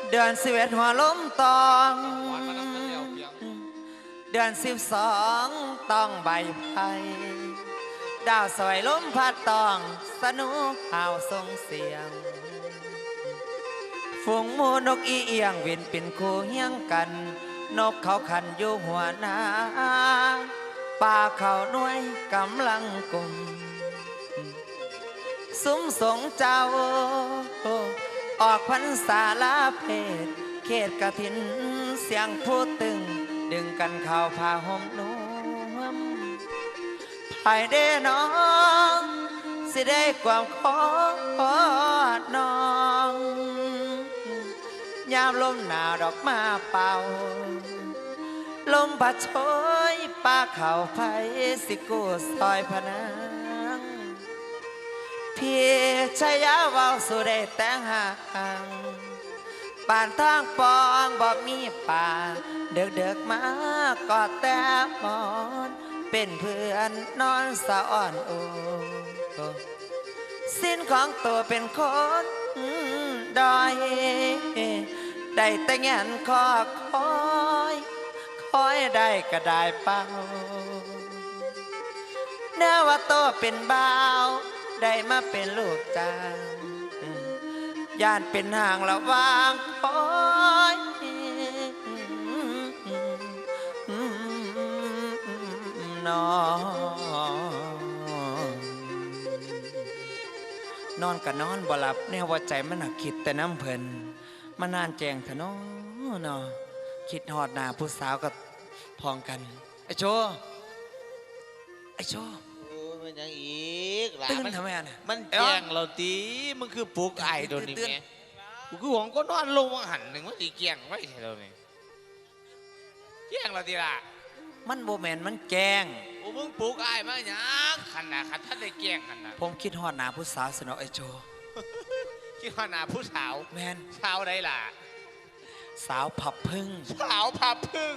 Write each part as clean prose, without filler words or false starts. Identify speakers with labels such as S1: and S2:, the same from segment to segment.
S1: เดือน11หัวลมตองเดือน12ต้องใบไผ่ดาวสวยลมพัดตองสนุกข่าวส่งเสียงฝูงหมูนกอีเอียงวินเป็นคู่เฮียงกันนกเขาขันอยู่หัวนาป่าเขาหน่วยกำลังกุมซุ้มสงเจ้าออกพรรษาลาเพศเขตกฐินเสียงพูดตึงดึงกันเข้าผ้าห่มนุ่มภายเด้น้องสิได้ความขอดน้องยามลมหนาวดอกมาเป่าลมพัดโชยป่าเขาไฟสิกูซอยพนังพี่ชายาเว้าสู่ได้แต่งห่างป่านทางปองบอกมีป่าเด็กๆมากอดแต่หมอนเป็นเพื่อนนอนสะอ่อนโอสิ้นของตัวเป็นคนดอยได้แต่เงียนคอคอยได้ก็ได้เป่าเนื้อว่าโตเป็นบ่าวได้มาเป็นลูกจางย่านเป็นห่างระวางคอยนอนก็นอนบ่หลับแนวว่าใจมันหนักคิดแต่น้ำเพลินมานานแจงเถอะเนาะคิดหอดหน้าผู้สาวกับพองกันไอ้โช
S2: มันยังอีก
S1: ตื่นทำไมอ่ะ
S2: มันแจ้งเราตีมึงคือปลุกไอ้โดนนี่แม่กูคือหวงก็นอนลงหันหนึ่งว่าตีแจ้งไว้ใช่เราเนี่ยแจ้งเราตีละ
S1: มันโบแมนมันแจ้ง
S2: โอ้มึงปลุกไอ้มาอย่างขันนะขันท่านได้แจ้งขันนะ
S1: ผมคิดหอดหน้าผู้สาวสนอไอ้โช
S2: คิดว่าหน้าผู้สาว
S1: แมน
S2: สาวใดล่ะ
S1: สาวผับพึ่ง
S2: สาวผับพึ่ง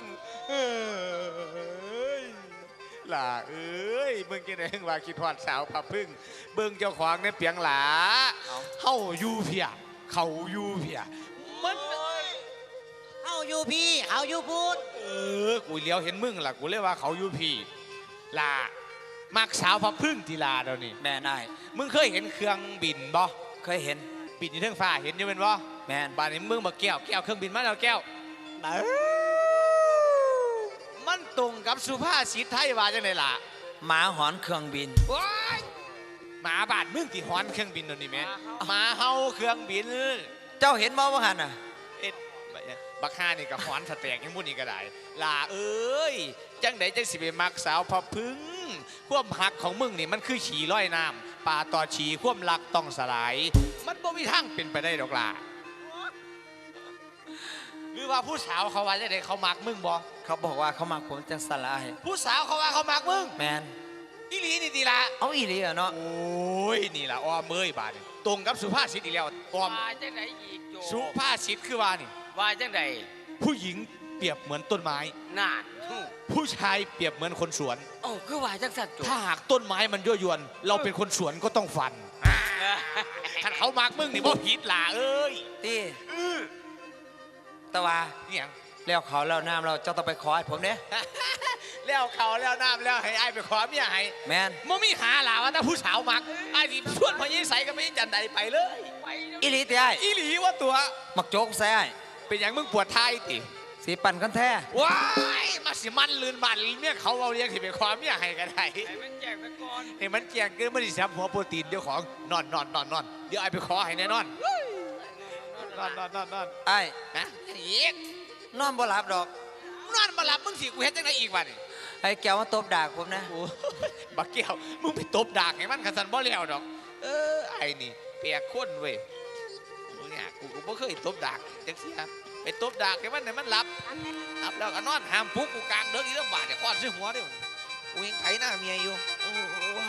S2: ล่ะเอ้ยมึงกินเองว่าคิดฮอดสาวผับพึ่งเบิ่งเจ้าของในเปียงหลาเฮาอยู่เพียเขาอยู่เพียมัน
S3: เฮาอยู่พี่เขาอยู่พูด
S2: กูเลี้ยวเห็นมึงล่ะกูเลยว่าเขาอยู่พี่ล่ะมักสาวผับพึ่งทีลาเดี๋ยวนี้
S1: แม่นาย
S2: มึงเคยเห็นเครื่องบินบ่
S1: เคยเห็น
S2: บินอยู่เทิงฟ้าเห็นอยู่เป็นบ่
S1: แม่น
S2: บ้านนี้มึงมาแก้วเครื่องบินมาแล้วแก้วมันตรงกับสุภาษิตไทยว่าจังไดล่ะ
S1: หมาหอนเครื่องบิน
S2: หมาบาดมึงที่หอนเครื่องบินตัวนี้แม่หมาเฮาเครื่องบิน
S1: เจ้าเห็นบ่ว่าหันน่ะ
S2: บักฮานี่กับหอนสแตกยังมุ่นนี่ก็ได้ล่ะเอ้ยจังไดจังสิไปมักสาวพอพึ่งความหักของมึงนี่มันคือฉี่ร้อยน้ำป่าต่อฉี่ความรักต้องสลายมันบ่มีทางเป็นไปได้ดอกล่ะหรือว่าผู้สาวเขาว่าจะได้เขามักมึงบ่
S1: เขาบอกว่าเขามักผมจังสลาย
S2: ผู้สาวเขาว่าเขามักมึง
S1: แมน
S2: อีหลีนี่ดีละ
S1: เอาอีหลีเนาะ
S2: โอ้ยนี่ล่ะอ้อมเมยบาดตรงกับสุภาษิตอีกแล้วอ้อม
S3: ว่าจังไดอีกโจ
S2: สุภาษิตคือว่านี่
S3: ว่าจังได
S2: ผู้หญิงเปรียบเหมือนต้นไม้
S3: น่า
S2: ผู้ชายเปรียบเหมือนคนสวน
S3: โอ้คือว่าจังสัตว์
S2: ถ้าหากต้นไม้มันยั่วยวนเราเป็นคนสวนก็ต้องฟันถ้าเขามักมึงนี่บ่ผิดล่ะเอ้ย
S1: ตีตะวา
S2: เนี่ย
S1: แล้วเขาแล้วน้ำเราเจ้าต้องไปขอให้ผมเนี่ย
S2: แล้วเขาแล้วน้ำแล้วให้ไอ้ไปขอเมียให้
S1: แมน
S2: มึงมีหาหล่าว่าถ้าผู้สาวมักไอ้ที่ชวนพอยี่ใส่ก็ไม่จันใดไปเลย
S1: อีหลีตีไอ้
S2: อีหลีว่าตัว
S1: มักโจ๊กใส่ไอ้
S2: เป็นอย่างมึงปวดท้ายติ
S1: สีปั่นกันแท้
S2: ว้ายมาสิมันลื่นบันเมียเขาเอาเรียกที่ไปขอเมียให้กันได้
S3: ให้มันแจกไปก่อน
S2: ให้มันแจกเกินไม่ได้ซับหัวโปรตีนเดี๋ยวของนอนเดี๋ยวไอ้ไปขอให้แน่นอนนอน
S1: ไอ้
S2: นะอีก
S1: นอนบ่หลับดอก
S2: นอนบ่หลับมึงสิกูเห็นจังไงอีกวะนี่
S1: ไอ้แก้วมาตบดากผมนะ
S2: บักแก้วมึงไปตบดากให้มันขันสันบ่แล้วดอกไอ้นี่เปียกข้นเว้ยเนี่ยกูไม่เคยตบดากจังสิครับไปตบดากให้มันหลับแล้วก็นอนห้ามปุ๊กกูกลางเดินอีกแล้วบาดจะคว้านซื้อหัวด้วยกูยังไถหน้าเมียอยู่